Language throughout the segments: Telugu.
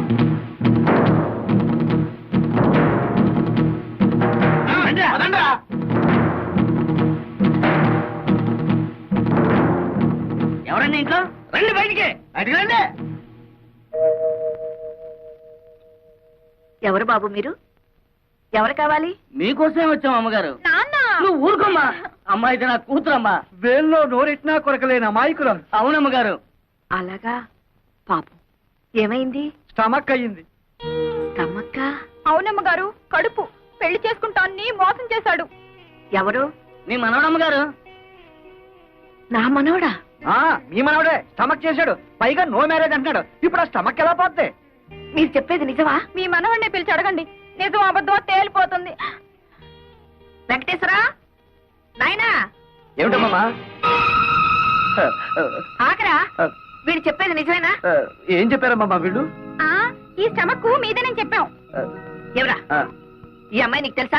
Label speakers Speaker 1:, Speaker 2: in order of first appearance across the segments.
Speaker 1: ఎవరండి ఇంట్లో? రండి బయటికి, బయటికి రండి.
Speaker 2: ఎవరు బాబు మీరు? ఎవరు కావాలి?
Speaker 1: మీకోసమే వచ్చాం అమ్మగారు.
Speaker 2: నాన్న
Speaker 1: నువ్వు ఊరుకోమ్మా. అమ్మా ఇది నా కూతురమ్మా.
Speaker 3: వేల్లో నోరెట్నా కొరకలేని అమాయకులు.
Speaker 1: అవునమ్మగారు.
Speaker 2: అలాగా, పాపం ఏమైంది?
Speaker 3: స్టమక్ అయ్యింది.
Speaker 2: స్టమక్క?
Speaker 4: అవునమ్మగారు, కడుపు. పెళ్లి చేసుకుంటాన్ని మోసం చేశాడు.
Speaker 2: ఎవరు?
Speaker 1: మీ మనవడమ్మగారు.
Speaker 2: నా మనవడా?
Speaker 3: మీ మనవడే స్టమక్ చేశాడు, పైగా నో మ్యారేజ్ అంటున్నాడు. ఇప్పుడు ఆ స్టమక్ ఎలా పోద్ది?
Speaker 2: మీరు చెప్పేది నిజమా?
Speaker 4: మీ మనవడిని పిలిచి అడగండి, నిజం అబద్ధం తేలిపోతుంది.
Speaker 2: వెంకటేశ్వరా, నాయనా.
Speaker 3: ఏమిటమ్మా?
Speaker 2: ఆకరా, వీడు చెప్పేది నిజమేనా?
Speaker 3: ఏం చెప్పారమ్మా వీళ్ళు?
Speaker 4: ఈ స్టమక్ మీదేనని చెప్పాం.
Speaker 2: ఎవరా ఈ అమ్మాయి? నీకు తెలుసా?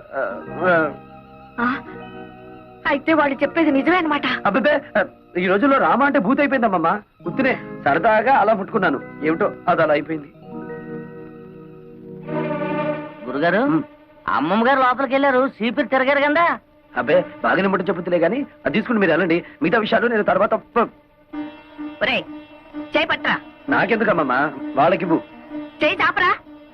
Speaker 2: అయితే వాళ్ళు చెప్పేది నిజమే అనమాట.
Speaker 3: అబ్బే, ఈ రోజుల్లో రామ అంటే భూత అయిపోయిందమ్మా. గుర్తునే సరదాగా అలా ముట్టుకున్నాను, ఏమిటో అది అలా అయిపోయింది.
Speaker 1: గురుగారు, అమ్మమ్మ గారు లోపలికి వెళ్ళారు, సీపీరు తిరగారు కదా.
Speaker 3: అబ్బే, బాగానే ముట్ట చెప్పుతులే గానీ అది తీసుకుని మీరు వెళ్ళండి. మిగతా విషయాలు నేను తర్వాత.
Speaker 2: ఒరే, చేయి పట్రా.
Speaker 3: నాకెందుకమ్మా, వాళ్ళకి
Speaker 2: చేయి చాపరా.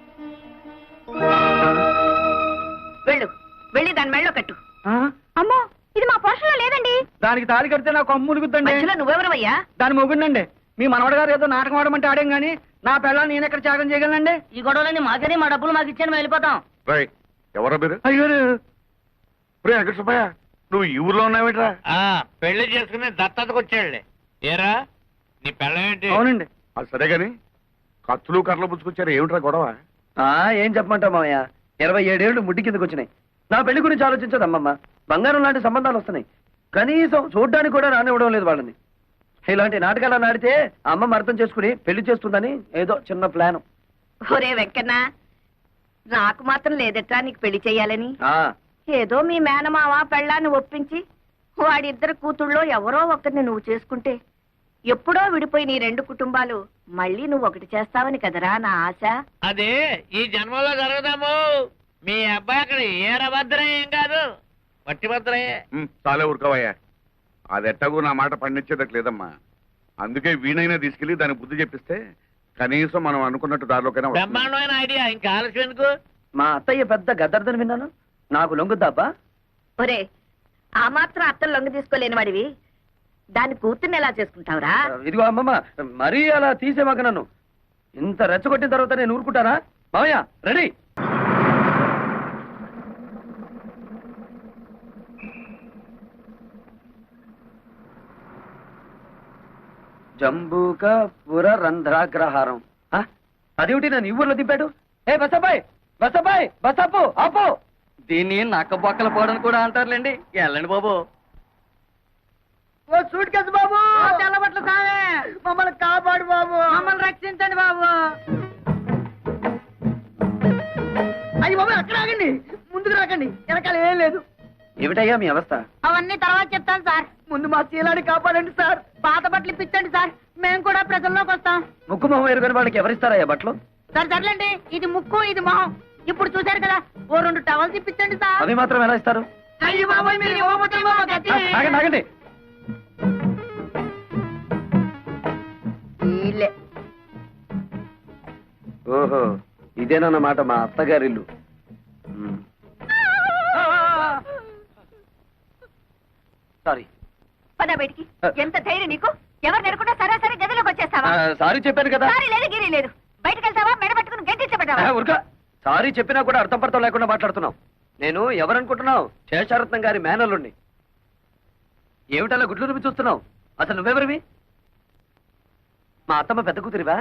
Speaker 2: వెళ్ళు, వెళ్ళి దాని మెళ్ళో కట్టు.
Speaker 4: అమ్మో, ఇది మా పోషణలో లేదండి.
Speaker 3: దానికి తాళి కడితే నాకు అమ్ములుగుద్దండి.
Speaker 2: మధ్యలో నువ్వెవరవయ్యా?
Speaker 3: దాని మొగుండండి. మీ మనవడ గారు ఏదో నాటకం ఆడమంటే ఆడేం గానీ నా పిల్లలు నేను ఎక్కడ త్యాగం చేయగలనండి?
Speaker 1: ఈ గొడవలని మాకని, మా డబ్బులు మాకు ఇచ్చాను, వెళ్ళిపోతాం.
Speaker 5: ఎవరా మీరు?
Speaker 3: అయ్యో
Speaker 5: వెంకట సుబ్బయ్య, నువ్వు ఈ ఊర్లో ఉన్నావేట్రా?
Speaker 6: పెళ్లి చేసుకుని దత్తతకు వచ్చాడులే. ఏరా నీ పెళ్ళమేంటి?
Speaker 3: అవునండి.
Speaker 5: అది సరే గాని కత్తులు కర్రలు పుచ్చుకొచ్చారు, ఏమిట్రా గొడవ?
Speaker 3: ఏం చెప్పమంటావు మామయ్య, 27 ఏళ్ళు ముడ్డి కిందకు వచ్చినాయి. నా పెళ్లి గురించి ఆలోచించదు అమ్మమ్మ. బంగారం లాంటి సంబంధాలు వస్తున్నాయి, కనీసం చూడ్డానికి కూడా రానివ్వడం లేదు వాళ్ళని. ఇలాంటి నాటకాలు నాడితే అమ్మమ్మ అర్థం చేసుకుని పెళ్లి చేస్తుందని ఏదో చిన్న ప్లాన్.
Speaker 2: ఒరే వెంకన్న, నాకు మాత్రం లేదట్రా నీకు పెళ్లి చెయ్యాలని. ఏదో మీ మేనమావ పెళ్ళాన్ని ఒప్పించి వాడిద్దరు కూతుళ్ళో ఎవరో ఒకరిని నువ్వు చేసుకుంటే ఎప్పుడో విడిపోయి నీ 2 కుటుంబాలు మళ్ళీ నువ్వు ఒకటి చేస్తావని కదరా నా ఆశ.
Speaker 6: అదే ఈ జన్మలో జరగదాము. మీ అబ్బాయి అక్కడ ఏరభద్రం ఏం కాదు, వట్టి భద్రయ్యే.
Speaker 5: చాలే ఊరుకోవయ్యా, అది ఎట్టగూ నా మాట పండించేదట్ లేదమ్మా. అందుకే వీణైనా తీసుకెళ్లి దానికి బుద్ధి చెప్పిస్తే కనీసం మనం అనుకున్నట్టు దారిలోకైనా వస్తుంది.
Speaker 6: బ్రహ్మాండమైన ఐడియా, ఇంకా ఆలస్యం ఎందుకు?
Speaker 3: మా అత్తయ్య పెద్ద గద్దర్దని విన్నాను, నాకు లొంగుద్దాబ్బా?
Speaker 2: ఒరే, ఆ మాత్రం అత్తలు లొంగ తీసుకోలేని వాడివి దాని కూతుర్ని ఎలా చేసుకుంటావురా?
Speaker 3: ఇదిగో అమ్మమ్మ, మరీ అలా తీసేమాక నన్ను. ఇంత రెచ్చగొట్టిన తర్వాత నేను ఊరుకుంటానా? మామయ్య రెడీ. జంబూక పుర రంధ్రాగ్రహారం. అదేమిటి నన్ను ఈ ఊర్లో దింపాడు? ఏ బసబాయ్, బసబాయ్, బసపు ఆపో.
Speaker 1: దీన్ని నక్క బొక్కల పోవడం కూడా అంటారులేండి. వెళ్ళండి బాబు.
Speaker 3: ఓ సూట్ కేసు బాబు, తెల్లబట్ల సామే, మమ్మల్ని కాపాడు బాబు, మమ్మల్ని రక్షించండి బాబు. అయ్యి బాబు, అక్కడ ఆగండి, ముందుకు రాకండి, వెనకాల ఏం లేదు. ఏమిటయ్యా మీ అవస్థ?
Speaker 4: అవన్నీ తర్వాత చెప్తాను సార్.
Speaker 3: ముందు మా శీలాన్ని కాపాడండి సార్.
Speaker 4: పాత బట్టలు ఇప్పించండి సార్, మేము కూడా ప్రజల్లోకి వస్తాం.
Speaker 3: ముక్కు మొహం ఎరుగని వాళ్ళకి ఎవరిస్తారయ్యా బట్టలు?
Speaker 4: సార్ సర్లేండి, ఇది ముక్కు ఇది మొహం. ఇప్పుడు చూశారు కదా, ఓ 2 టవల్స్ ఇప్పించండి సార్.
Speaker 3: అవి మాత్రం ఎలా ఇస్తారు?
Speaker 4: అయ్యో బాబోయ్, మీరు ఇవ్వబోతే
Speaker 3: ఆగండి ఆగండి. ఓహో, ఇదేనన్నమాట మా అత్తగారిల్లు. సారీ.
Speaker 2: పద బయటికి. ఎంత ధైర్యం నీకు? ఎవరు నెరకుండా సరాసరి గదిలోకి వచ్చేస్తావా?
Speaker 3: సారీ చెప్పాను కదా.
Speaker 2: సారీ లేదు, గిరి లేదు. బయటకు వెళ్తావా, మెడ పట్టుకుని గెంటించబడ్డావా?
Speaker 3: ఉరక, సారీ చెప్పినా కూడా అర్థం పడతాం లేకుండా మాట్లాడుతున్నావు. నేను ఎవరనుకుంటున్నావు? శేషారత్నం గారి మేనల్లుండి. ఏమిటలా గుడ్లు రుమి చూస్తున్నావు? అసలు నువ్వెవరివి? మా అత్తమ్మ పెద్ద కూతురివా?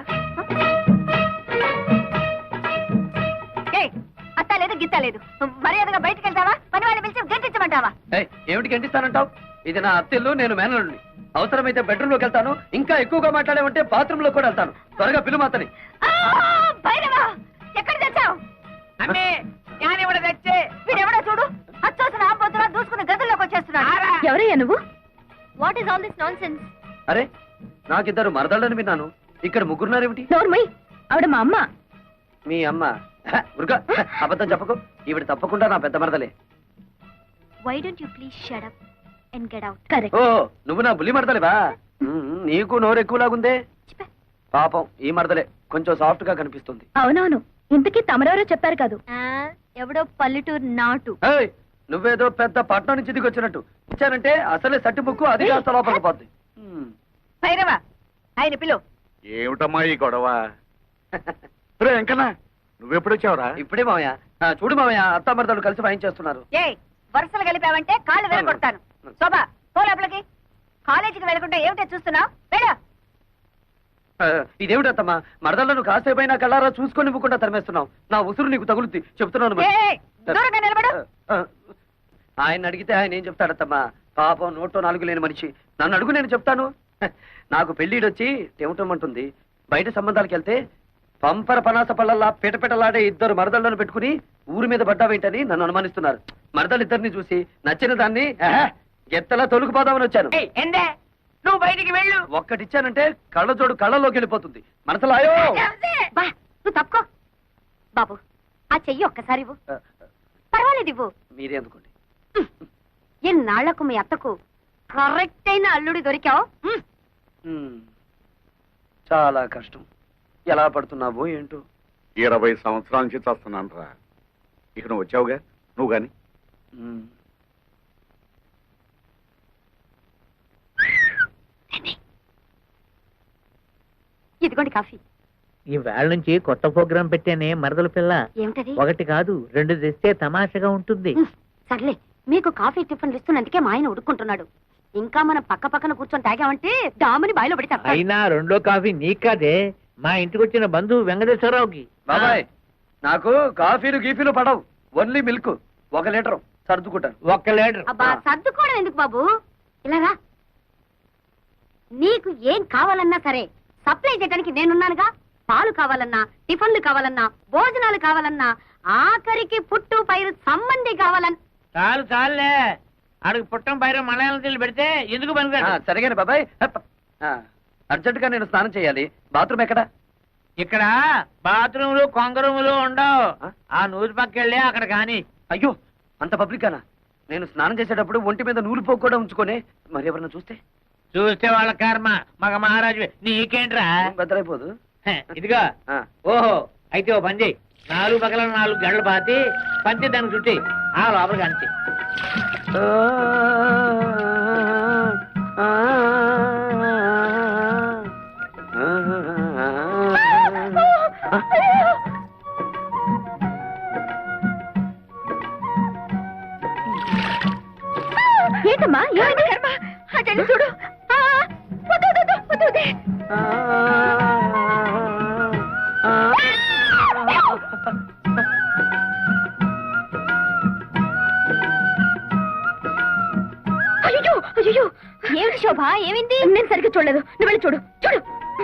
Speaker 2: అత్త లేదు, గిత్త లేదు. మర్యాదగా బయటకు వెళ్తావా, పని వాళ్ళని పిలిచి గెంటించమంటావా?
Speaker 3: ఏమిటి గంటిస్తానంటావు? ఇది నా అత్తిల్లు, నేను మేనల్లుండి. అవసరమైతే బెడ్రూమ్ లోకి వెళ్తాను, ఇంకా ఎక్కువగా మాట్లాడేమంటే బాత్రూమ్ లో కూడా వెళ్తాను. త్వరగా పిలువు అతని.
Speaker 2: భైరవా, ఎక్కడ తెచ్చావు?
Speaker 6: అమ్మే జ్ఞానివడ తెచ్చే.
Speaker 2: వీడెవడో చూడు, అచ్చోసిన ఆంబోతులా దూసుకుని గదుల్లోకి వచ్చేస్తున్నాడు.
Speaker 4: ఎవరయ్యా నువ్వు? What is all this nonsense?
Speaker 3: అరే, నాకిద్దరు మరదళ్ళని విన్నాను, ఇక్కడ ముగ్గురున్నారేమిటి?
Speaker 4: నోర్మై,
Speaker 2: ఆవిడ మా అమ్మ.
Speaker 3: మీ అమ్మ ఉరుక అబద్ధం చెప్పకు. ఈవిడ తప్పకుండా నా పెద్ద మరదలే.
Speaker 7: Why don't you please shut up and get out?
Speaker 2: Correct.
Speaker 3: ఓ నువ్వు నా బుల్లి మరదలేవా? నీకు నోరు ఎక్కువలాగుందే. పాపం ఈ మరదలే కొంచెం సాఫ్ట్ గా కనిపిస్తుంది.
Speaker 2: అవునవును. ఇంతకీ తమరెవరో చెప్పారు కాదు.
Speaker 7: ఎవడో పల్లెటూరు నాటు.
Speaker 3: ఏయ్, నువ్వేదో పెద్ద పట్నం నుంచి దిగి వచ్చినట్టు ఇచ్చానంటే అసలే సట్టి ముక్కు అది కాస్త లోపలికి పోద్ది.
Speaker 2: భైరవా ఆయన పిలు.
Speaker 5: ఏమిటమ్మా ఈ గొడవ? రే వెంకన్న, నువ్వెప్పుడొచ్చావురా?
Speaker 3: ఇప్పుడే మామయ్య. చూడు మామయ్య, అత్త మరదలు కలిసి వాయించేస్తున్నారు.
Speaker 2: ఏ వరుసలు కలిపావంటే కాళ్ళు వెలగొడతాను. శోభా పో లోపలికి. కాలేజీకి వెళ్ళకుండా ఏమిటో చూస్తున్నావు? వెళ్ళు.
Speaker 3: ఇదేమిటత్తమ్మా, మరదలను కాసేపైనా కళ్ళారా చూసుకొని ఇవ్వకుండా తరిమేస్తున్నావు. నా ఉసురు నీకు తగులుద్ది చెప్తున్నాను మరి.
Speaker 2: ఏయ్, దూరంగా నిలబడు.
Speaker 3: ఆయన అడిగితే ఆయన ఏం చెప్తాడత్తమ్మా? పాపం నోట్లో నాలుగు లేని మనిషి. నన్ను అడుగు, నేను చెప్తాను. నాకు పెళ్లిడొచ్చి టెమటమంటుంది. బయట సంబంధాలకు వెళ్తే పంపర పనాస పళ్ళల్లా పిటపిటలాడే ఇద్దరు మరదళ్ళను పెట్టుకుని ఊరి మీద పడ్డావేంటని నన్ను అనుమానిస్తున్నారు. మరదలిద్దరిని చూసి నచ్చిన దాన్ని ఎత్తలా తొలుకుపోదామని వచ్చాను.
Speaker 2: ఎందే నువ్వు బయటికి వెళ్ళు.
Speaker 3: ఒక్కటిచ్చానంటే కళ్ళజోడు కళ్ళలోకి వెళ్ళిపోతుంది. మనసులాయో
Speaker 7: బా నువ్వు తప్పుకో. బాబు ఆ చెయ్యి ఒక్కసారి ఇవ్వు. పర్వాలేదు ఇవ్వు.
Speaker 3: మీరే అందుకోండి.
Speaker 7: ఎన్నాళ్లకు మీ అత్తకు కరెక్ట్ అయిన అల్లుడి దొరికావు.
Speaker 3: చాలా కష్టం. ఎలా పడుతున్నావో ఏంటో.
Speaker 5: 20 సంవత్సరాల నుంచి చేస్తున్నాను రా. ఇక నువ్వు వచ్చావుగా, నువ్వు గాని.
Speaker 7: ఇదిగోండి కాఫీ.
Speaker 6: ఈ వేళ నుంచి కొత్త ప్రోగ్రాం పెట్టానే మరదల పిల్ల.
Speaker 7: ఏమిటది?
Speaker 6: 1 కాదు 2 తెస్తే తమాషగా ఉంటుంది.
Speaker 7: సర్లే, మీకు కాఫీ టిఫిన్లు ఇస్తున్నందుకే మా ఆయన ఉడుకుంటున్నాడు. ఇంకా మనం పక్క పక్కన కూర్చొని తాగామంటే డాముని బాయిలో పడి తప్ప.
Speaker 6: అయినా 2వ కాఫీ నీకు కాదే, మా ఇంటికి వచ్చిన బంధువు వెంకటేశ్వరరావుకి.
Speaker 3: బాబాయ్, నాకు కాఫీలు గీఫీలు పడవు. ఓన్లీ మిల్క్ 1 లీటర్ సర్దుకుంటాను.
Speaker 6: 1 లీటర్.
Speaker 7: అబ్బా సర్దుకోవడం ఎందుకు బాబు, ఇలాగా నీకు ఏం కావాలన్నా సరే సప్లై చేయడానికి నేనున్నానుగా. పాలు కావాలన్నా, టిఫిన్లు కావాలన్నా, భోజనాలు కావాలన్నా, ఆఖరికి పుట్టు పైరు సంబంధి కావాలన్నా.
Speaker 6: చాలు చాలులే, ఆడికి పుట్టం పైన మలయాళం తెల్లి పెడితే ఎందుకు పనికిరాడు.
Speaker 3: సరిగానే బాబాయ్. అర్జెంట్ గా నేను స్నానం చేయాలి. బాత్రూమ్ ఎక్కడ?
Speaker 6: ఇక్కడ బాత్రూములు కొంగరూములు ఉండవు. ఆ నూరు పక్కెళ్ళి అక్కడ కాని.
Speaker 3: అయ్యో, అంత పబ్లిక్ అనా? నేను స్నానం చేసేటప్పుడు ఒంటి మీద నూలు పోగు కూడా ఉంచుకొని మరి ఎవరన్నా చూస్తే
Speaker 6: చూస్తే వాళ్ళ కర్మ. మగ మహారాజు నీకేంట్రా?
Speaker 3: బెదరైపోదు.
Speaker 6: ఇదిగా ఓహో, అయితే ఓ పని చెయ్యి. 4 పక్కల 4 గంటలు పాతి పంచి దానికి చుట్టి ఆ లోపలికి అంచి.
Speaker 2: ఏంటమ్మా ఏమైంది? అటెండి చూడు. అయ్యో అయ్యో,
Speaker 7: ఏమిటి శోభ, ఏమైంది?
Speaker 2: నేను సరిగ్గా చూడలేదు. నువ్వు వెళ్ళి చూడు. చూడు.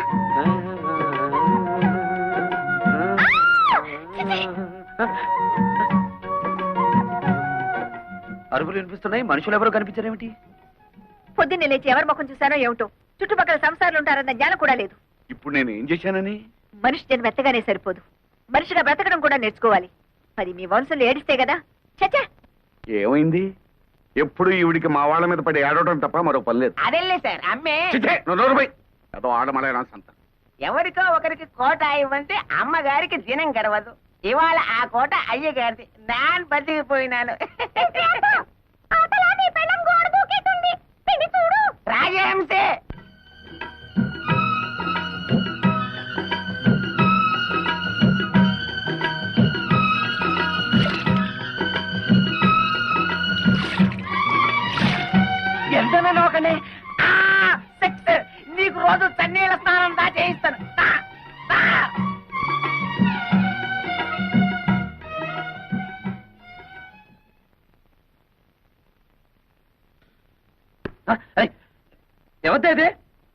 Speaker 3: అరుపులు వినిపిస్తున్నాయి. మనుషులు ఎవరో కనిపించారేమిటి?
Speaker 2: పొద్దున్నే లేచి ఎవరి ముఖం చూసానో ఏమిటో. చుట్టుపక్కల సంసారాలు ఉంటారన్న జ్ఞానం కూడా లేదు.
Speaker 5: ఇప్పుడు నేను ఏం చేశానని?
Speaker 2: మనిషి జన్మ మెత్తగానే సరిపోదు, మనిషిగా బ్రతకడం కూడా నేర్చుకోవాలి. మరి మీ వంశంలో ఏడిస్తే కదా. చచ్చా,
Speaker 5: ఏమైంది? ఎప్పుడు ఈవిడికి మా వాళ్ళ మీద పడి ఏడవడం తప్ప మరో పని లేదు.
Speaker 4: అదెల్లే సార్ అమ్మే.
Speaker 5: చిచ్చే, నువ్వు నోరు మూయ్. ఏదో ఆడమలైనా సంత.
Speaker 4: ఎవరికో ఒకరికి కోట ఇవ్వంటే అమ్మగారికి దినం గడవదు. ఇవాళ ఆ కోట అయ్యగారిది. నాన్ బతికిపోయినాను. రాజహంసే. ఎంతనే నోకండి. నీకు రోజు చన్నీళ్ళ స్నానం దా చేయిస్తాను.
Speaker 3: ఎవరిదే ఇది?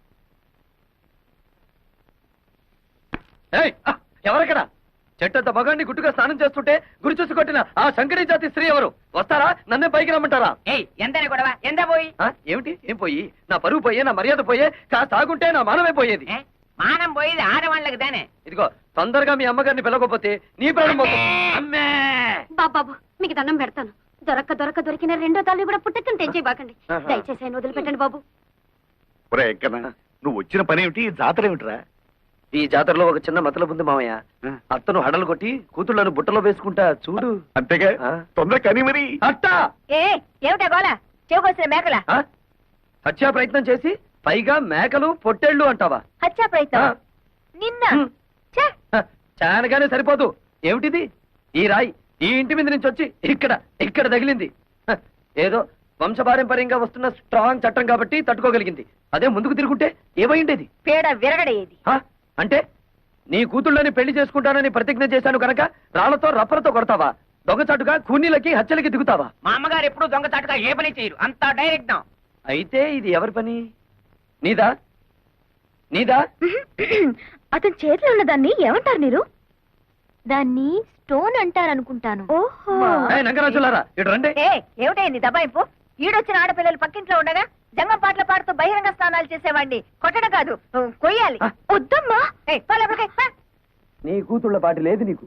Speaker 3: ఎవరక్కడ? చెట్టంత మగాన్ని గుట్టుగా స్నానం చేస్తుంటే గురి చూసి కొట్టిన ఆ శంకరీ జాతి స్త్రీ ఎవరు? వస్తారా? నన్నే పైకి రమ్మంటారా?
Speaker 4: ఎంతనే గొడవ? ఎంత పోయి?
Speaker 3: ఏమిటి? ఏం పోయి? నా పరువు పోయే, నా మర్యాద పోయే, కాస్త ఆగుంటే నా మానమే పోయేది.
Speaker 4: మానం పోయేది ఆడవాళ్ళకి దానే.
Speaker 3: ఇదిగో తొందరగా మీ అమ్మగారిని పిలవకపోతే నీ ప్రాణం పోతుంది. అమ్మే
Speaker 7: బాబాబు మీకు దండం పెడతాను. దొరికిన రెండో తల్లి కూడా పుట్టకని తెంచేయబాకండి. దయచేసి ఆయన వదిలిపెట్టండి బాబు.
Speaker 5: ఒరే ఎక్కనా నువ్వు వచ్చిన పని ఏమిటి, జాతర ఏమిటిరా?
Speaker 3: ఈ జాతరలో ఒక చిన్న మతలబు ఉంది మామయ్య. అత్తను హడలు కొట్టి కూతుళ్ళను బుట్టలో వేసుకుంటా చూడు.
Speaker 5: అంతేగా, తొందర కని మరి.
Speaker 3: అట్టా
Speaker 2: ఏమిటా గోళ? చెవుకొచ్చిన మేకల
Speaker 3: హత్యా ప్రయత్నం చేసి పైగా మేకలు పొట్టేళ్ళు అంటావా?
Speaker 2: హత్యా ప్రయత్నం నిన్న
Speaker 3: చానగానే సరిపోదు. ఏమిటిది? ఈ రాయి ఈ ఇంటి మీద నుంచి వచ్చి ఇక్కడ తగిలింది. ఏదో వంశపారంపర్యంగా వస్తున్న స్ట్రాంగ్ చట్టం కాబట్టి తట్టుకోగలిగింది. అదే ముందుకు తిరుగుంటే ఏమైండేది?
Speaker 2: పేడ విరగడేది.
Speaker 3: అంటే నీ కూతుళ్ళని పెళ్లి చేసుకుంటానని ప్రతిజ్ఞ చేశాను కనుక రాళ్లతో రప్పలతో కొడతావా? దొంగచాటుగా కూనీలకి హత్యలకి దిగుతావా?
Speaker 4: మా అమ్మగారు ఎప్పుడు దొంగచాటుగా ఏ పని చేయరు, అంతా డైరెక్ట్.
Speaker 3: అయితే ఇది ఎవరి పని? నీదా?
Speaker 7: అతని చేతిలో ఉన్న దాన్ని ఏమంటారు మీరు? దాన్ని స్టోన్ అంటారనుకుంటాను. ఓహో
Speaker 3: నంగరాజులారా ఇటు రండి.
Speaker 2: ఏమిటైంది దబాయింపు? ఈడొచ్చిన ఆడపిల్లలు పక్కింట్లో ఉండగా జంగం పాటలు పాడుతూ బహిరంగ స్నానాలు చేసేవాడిని కొట్టడం కాదు, కొయ్యాలి.
Speaker 7: వద్దమ్మా.
Speaker 3: నీ కూతుళ్ళ పాటి లేదు నీకు.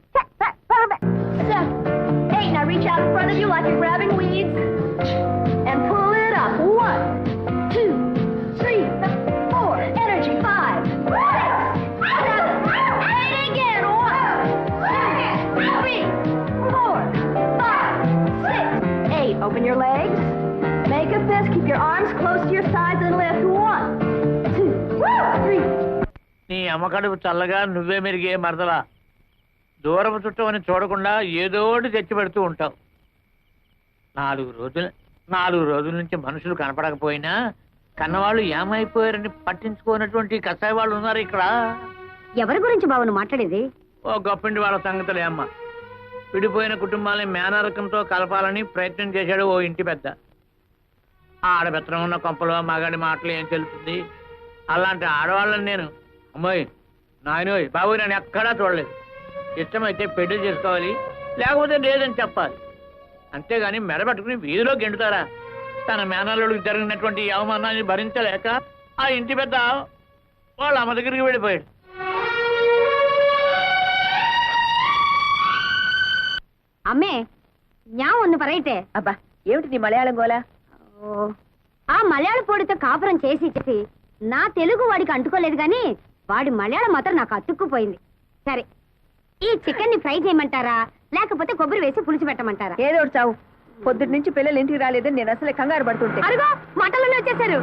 Speaker 7: Hey, now reach out in front of you like you're grabbing weeds and pull it up. 1, 2, 3, 4. Energy. 5, 6, 7, 8 again. 1, 2, 3, 4, 5, 6, 8. Open your legs. Make a fist. Keep your arms close to your sides and lift. 1, 2, 3.
Speaker 6: నీ అమ్మకడుపు చల్లగా నువ్వే మెరిగే మరదలా. దూరపు చుట్టం అని చూడకుండా ఏదోటి తెచ్చి పెడుతూ ఉంటావు. 4 రోజుల నుంచి మనుషులు కనపడకపోయినా కన్నవాళ్ళు ఏమైపోయారని పట్టించుకోనటువంటి కసాయి వాళ్ళు ఉన్నారు ఇక్కడ.
Speaker 7: ఎవరి గురించి బావను మాట్లాడేది?
Speaker 6: ఓ గొప్పిండి వాళ్ళ సంగతులే అమ్మ. విడిపోయిన కుటుంబాలని మేనరకంతో కలపాలని ప్రయత్నం చేశాడు ఓ ఇంటి పెద్ద. ఆడబెత్తనం ఉన్న కొంపలో మగాడి మాటలు ఏం తెలుస్తుంది? అలాంటి ఆడవాళ్ళని నేను అమ్మాయి నాయనోయ్ బాబు నేను ఎక్కడా చూడలేదు. ఇష్టమైతే పెళ్లి చేసుకోవాలి, లేకపోతే లేదని చెప్పాలి. అంతేగాని మెడబెట్టుకుని వీధిలో గెంటుతారా? తన మేనల్లుడికి జరిగినటువంటి అవమానాన్ని భరించలేక ఆ ఇంటి పెద్ద వాళ్ళ అమ్మ దగ్గరికి వెళ్ళిపోయాడు.
Speaker 7: అమ్మే ஞா ஒண்ணு பரையிட்டே.
Speaker 2: అబ్బా ఏమిటి మలయాళం గోలా?
Speaker 7: ఆ మలయాళ పొడితో కాపురం చేసి నా తెలుగు వాడికి అంటుకోలేదు గాని వాడి మలయాళం మాత్రం నాకు అతుక్కుపోయింది. సరే ఈ చికెన్ ని ఫ్రై చేయమంటారా లేకపోతే కొబ్బరి వేసి పులుసు పెట్టమంటారా?
Speaker 2: ఏదో ఒకటి చావు. పొద్దుటి నుంచి పిల్లలు ఇంటికి రాలేదని నేను అసలే కంగారు పడుతుంటే.
Speaker 7: అరుగో మటన్లోనే వచ్చేసారు.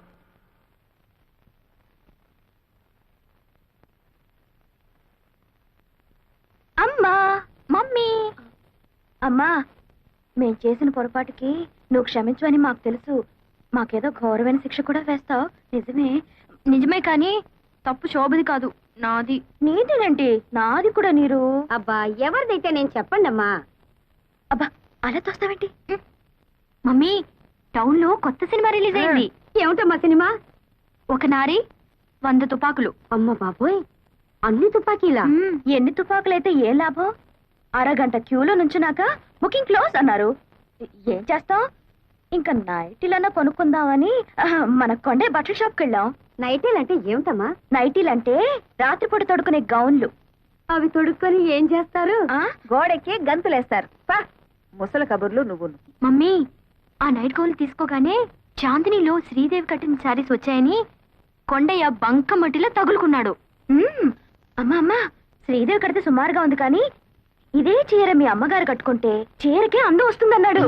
Speaker 7: అమ్మా మమ్మీ. అమ్మా మేం చేసిన పొరపాటుకి నువ్వు క్షమించవని మాకు తెలుసు. మాకేదో ఘోరమైన శిక్ష కూడా వేస్తావు. నిజమే కానీ తప్పు శోభది కాదు, నాది. నీదేనండి, నాది కూడా. నీరు అబ్బా ఎవరిదైతే నేను చెప్పండి అమ్మా. అబ్బా అలా తోస్తావేంటి? మమ్మీ టౌన్ లో కొత్త సినిమా రిలీజ్ అయింది. ఏమిటమ్మా సినిమా? ఒక నారి 100 తుపాకులు. అమ్మ బాబోయ్, అన్ని తుపాకీలా? ఎన్ని తుపాకులైతే ఏ లాభం? అరగంట క్యూలో నుంచున్నాక బుకింగ్ క్లోజ్ అన్నారు. ఏం చేస్తాం? ఇంకా నైటీలన్నా కొనుక్కుందామని మన కొండే బట్టల షాప్కి వెళ్ళాం. నైటీలంటే ఏమిటమ్మా? నైటీలంటే రాత్రిపూట తొడుకునే గౌన్లు. అవి తొడుక్కొని ఏం చేస్తారు?
Speaker 2: గోడెక్కి గంతులేస్తారు. ముసల కబుర్లు నువ్వు.
Speaker 7: మమ్మీ ఆ నైట్ గౌన్లు తీసుకోగానే చాందినిలో శ్రీదేవి కట్టిన శారీస్ వచ్చాయని కొండయ్య బంకమట్టిలో తగులుకున్నాడు. అమ్మా అమ్మా శ్రీదేవి కడితే సుమారుగా ఉంది కానీ ఇదే చీర మీ అమ్మగారు కట్టుకుంటే చీరకే అందం వస్తుందన్నాడు.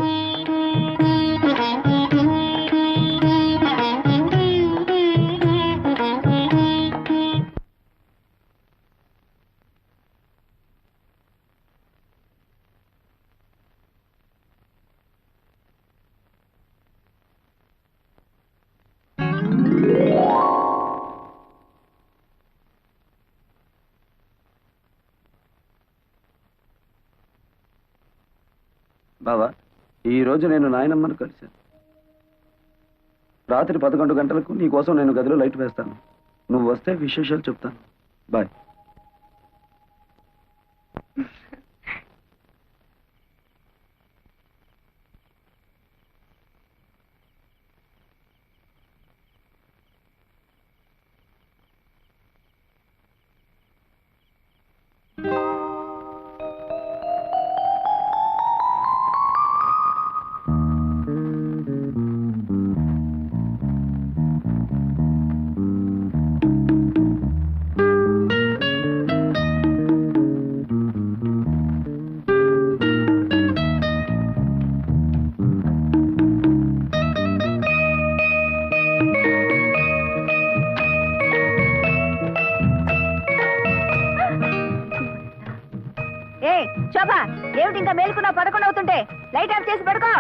Speaker 3: బావా ఈ రోజు నేను నాయనమ్మను కలిశాను. రాత్రి 11 గంటలకు నీ కోసం నేను గదిలో లైట్ వేస్తాను. నువ్వు వస్తే విశేషాలు చెప్తాను. బాయ్.
Speaker 2: శోభ ఏమిటి ఇంకా మేలుకున్నా 11 అవుతుంటే లైట్ ఆఫ్ చేసి పడుకో.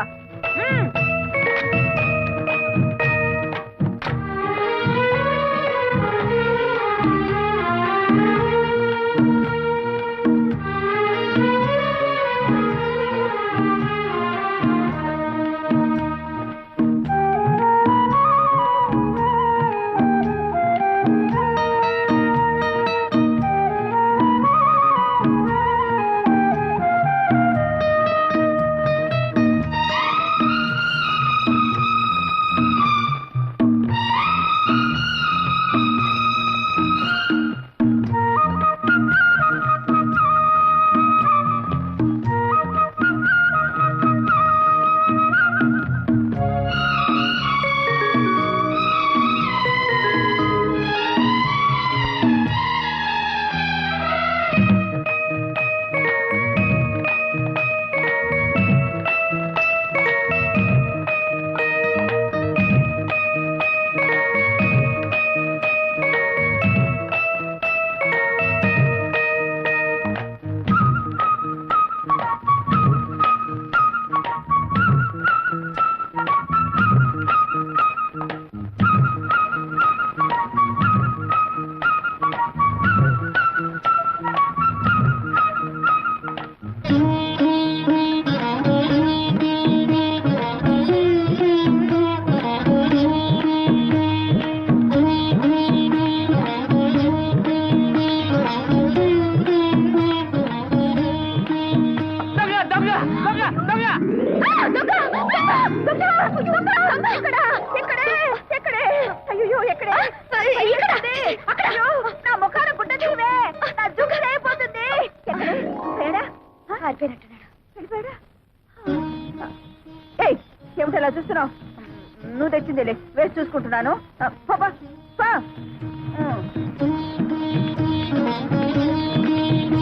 Speaker 2: నా ముఖాన గుడ్డ తీవే, నా జుగ్గు అయిపోతుంది. ఏమిటి అలా చూస్తున్నావు? నువ్వు తెచ్చిందేలే, వేసి చూసుకుంటున్నాను.